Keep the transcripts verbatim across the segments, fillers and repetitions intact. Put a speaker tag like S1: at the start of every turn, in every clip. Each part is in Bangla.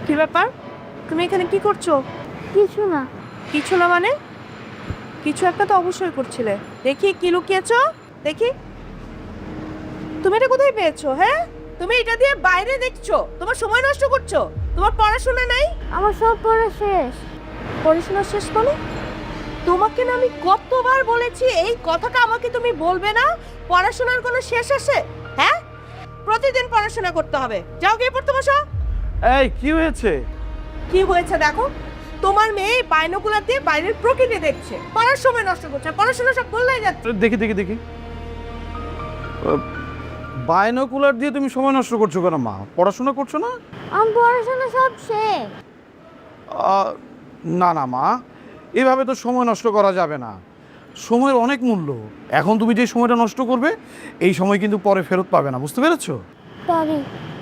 S1: কি ব্যাপার, তুমি এখানে কি করছো?
S2: কিছু না।
S1: কিছু না মানে? কিছু একটা তো অবশ্যই করছিলে। দেখি কি লুকিয়েছো, দেখি। তুমি এটা কোথায় পেয়েছো? হ্যাঁ, তুমি এটা দিয়ে বাইরে দেখছো, তোমার সময় নষ্ট করছো। তোমার পড়াশোনা নাই?
S2: আমার সব পড়া শেষ।
S1: পড়াশোনা শেষ মানে? তোমাকে না আমি কতবার বলেছি এই কথাটা আমাকে তুমি বলবে না। পড়াশোনার কোনো শেষ আছে? হ্যাঁ, প্রতিদিন পড়াশোনা করতে হবে। যাও গিয়ে পড়তে বসো।
S3: এই কি হয়েছে?
S1: কি হয়েছে দেখো, তোমার মেয়ে বাইনোকুলার দিয়ে বাইরের প্রকৃতি দেখছে, পড়ার সময় নষ্ট করছে, পড়াশোনা সব বললাই যাচ্ছে।
S3: দেখি দেখি দেখি বায়োনোকুলার দিয়ে তুমি সময় নষ্ট করছো কেন মা? পড়াশোনা করছো না?
S2: আমার পড়াশোনা সব শেষ।
S3: আহ, না না মা, এভাবে তো সময় নষ্ট করা যাবে না। সময়ের অনেক মূল্য। এখন তুমি যে সময়টা নষ্ট করবে এই সময় কিন্তু পরে ফেরত পাবে না, বুঝতে পেরেছো?
S2: পারি।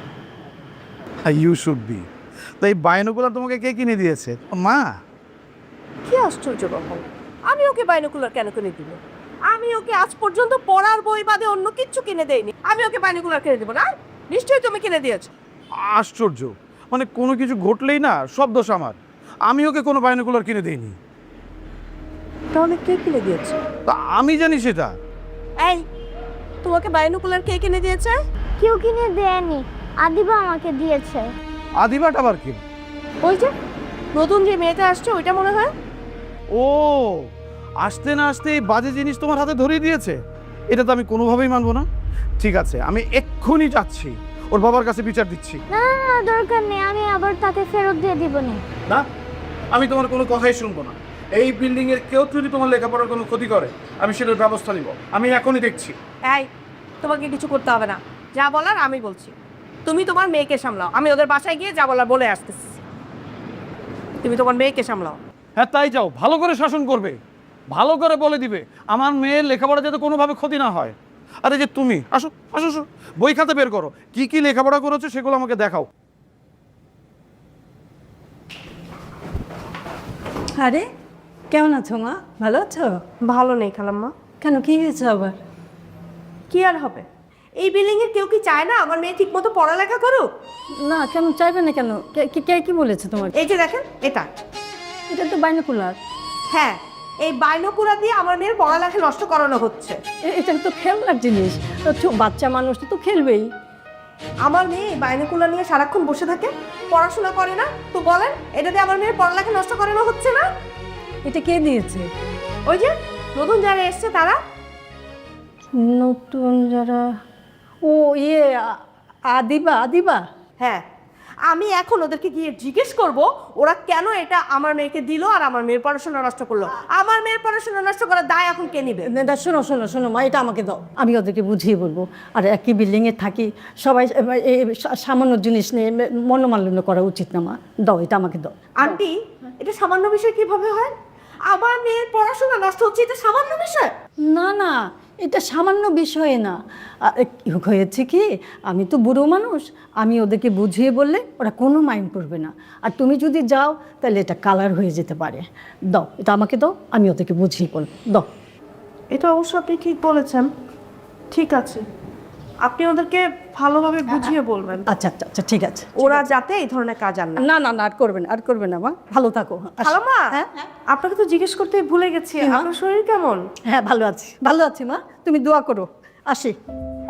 S3: You should be. তাই বায়োনোকুলার তোমাকে কে কিনে দিয়েছে? মা।
S1: কি আশ্চর্য ব্যাপার, আমি ওকে বাইনোকুলার কেন কিনে দিব? আমি ওকে আজ পর্যন্ত পড়ার বই বাদে অন্য কিচ্ছু কিনে দেইনি, আমি ওকে বাইনোকুলার কিনে দেবো না? নিশ্চয়ই তুমি কিনে দিয়েছো।
S3: আশ্চর্য, মানে কোনো কিছু ঘটলেই না সব দোষ আমার। আমি ওকে কোনো বায়োনোকুলার কিনে দিইনি।
S1: তাহলে কে কিনে দিয়েছে?
S3: তা আমি জানি সেটা।
S1: এই, তোমাকে বাইনোকুলার কে কিনে দিয়েছে?
S2: কেউ কিনে দেয়নি, আদিবা আমাকে দিয়েছে।
S3: আদিবাট আবার কি?
S1: ওই যে নতুন যে মেয়েটা আসছে ওইটা মনে হয়।
S3: ও, আসতে না আসতে এই বাজে জিনিস তোমার হাতে ধরিয়ে দিয়েছে? এটা তো আমি কোনোভাবেই মানবো না। ঠিক আছে, আমি এক্ষুনি যাচ্ছি, ওর বাবার কাছে বিচার দিচ্ছি।
S2: না না না, দরকার নেই, আমি আবার তাকে ফেরত দিয়ে দিব না।
S3: না, আমি তোমার কোনো কথাই শুনবো না। এই বিল্ডিং এর কেউ যদি তোমার লেখাপড়ার কোনো ক্ষতি করে আমি সেটার ব্যবস্থা নিব। আমি এখনই দেখছি।
S1: এই, তোমাকে কিছু করতে হবে না, যা বলার আমি বলছি। তুমি তোমার মেয়েকে সামলাও, আমি ওদের বাসায় গিয়ে যা বলার বলে আসতেছি। তুমি তোমার মেয়েকে সামলাও।
S3: হ্যাঁ তাই যাও, ভালো করে শাসন করবে, ভালো করে বলে দিবে আমার মেয়ের লেখাপড়া যাতে কোনোভাবে ক্ষতি না হয়। আরে যে তুমি আসো আসো আসো, বই খাতা বের করো, কি কি লেখাপড়া করেছো সেগুলো আমাকে দেখাও।
S4: আরে কেমন আছো মা? ভালো আছো?
S1: ভালো নেই খালাম্মা।
S4: কেন, কি হয়েছে আবার?
S1: কি আর হবে, এই বিল্ডিং এর কেউ কি চায় না আমার মেয়ে ঠিক মতো পড়ালেখা করুক?
S4: না, কেন চাইবে না কেন? কে- কে কে কি বলেছে তোমার?
S1: এই যে দেখেন এটা,
S4: এটা তো বাইনোকুলার।
S1: হ্যাঁ, এই বাইনোকুলার দিয়ে আমার মেয়ের পড়ালেখা নষ্ট করানো হচ্ছে।
S4: এ- এটা তো খেলনার জিনিস, তো ছো- বাচ্চা মানুষ তো খেলবেই।
S1: আমার মেয়ে এই বাইনোকুলার নিয়ে সারাক্ষণ বসে থাকে, পড়াশোনা করে না। তো বলেন, এটা দিয়ে আমার মেয়ের পড়ালেখা নষ্ট করানো হচ্ছে না?
S4: এটা কে দিয়েছে?
S1: ওই যে নতুন যারা এসছে তারা।
S4: নতুন যারা? ও ইয়ে আ- আদিবা আদিবা
S1: হ্যাঁ, আমি এখন ওদেরকে গিয়ে জিজ্ঞেস করব ওরা কেন এটা আমার মেয়েকে দিল আর আমার মেয়ের পড়াশোনা নষ্ট করলো। আমার মেয়ের পড়াশোনা নষ্ট করার দায় এখন কে নিবে?
S4: না, না, শোনো শোনো শোনো মা, এটা আমাকে দাও, আমি ওদেরকে বুঝিয়ে বলবো। আর একই বিল্ডিংয়ে থাকি সবাই, এই সা- সামান্য জিনিস নিয়ে মনোমালিন্য করা উচিত না মা। দাও, এটা আমাকে দাও।
S1: আন্টি, এটা সামান্য বিষয় কিভাবে হয়? আমার মেয়ের পড়াশোনা নষ্ট হচ্ছে, এটা সামান্য বিষয়?
S4: না না, এটা সামান্য বিষয় না। আ, কি হয়েছে কি, আমি তো বুড়ো মানুষ, আমি ওদেরকে বুঝিয়ে বললে ওরা কোনো মাইন্ড করবে না। আর তুমি যদি যাও তাহলে এটা কালার হয়ে যেতে পারে। দাও, এটা আমাকে দাও, আমি ওদেরকে বুঝিয়ে বলবো। দাও।
S1: এটা অবশ্য আপনি ঠিক বলেছেন। ঠিক আছে, আপনি ওদেরকে ভালোভাবে বুঝিয়ে বলবেন,
S4: আচ্ছা আচ্ছা আচ্ছা, ঠিক আছে।
S1: ওরা যাতে এই ধরনের কাজ আর না।
S4: না না না, আর করবে না, আর করবে না মা, ভালো থাকো। আসো।
S1: খালাম্মা,
S4: হ্যাঁ
S1: আপনাকে তো জিজ্ঞেস করতে ভুলে গেছি,
S4: কি মা?
S1: আপনার শরীর কেমন?
S4: হ্যাঁ, ভালো আছি, ভালো আছি মা, তুমি দোয়া করো। আসি।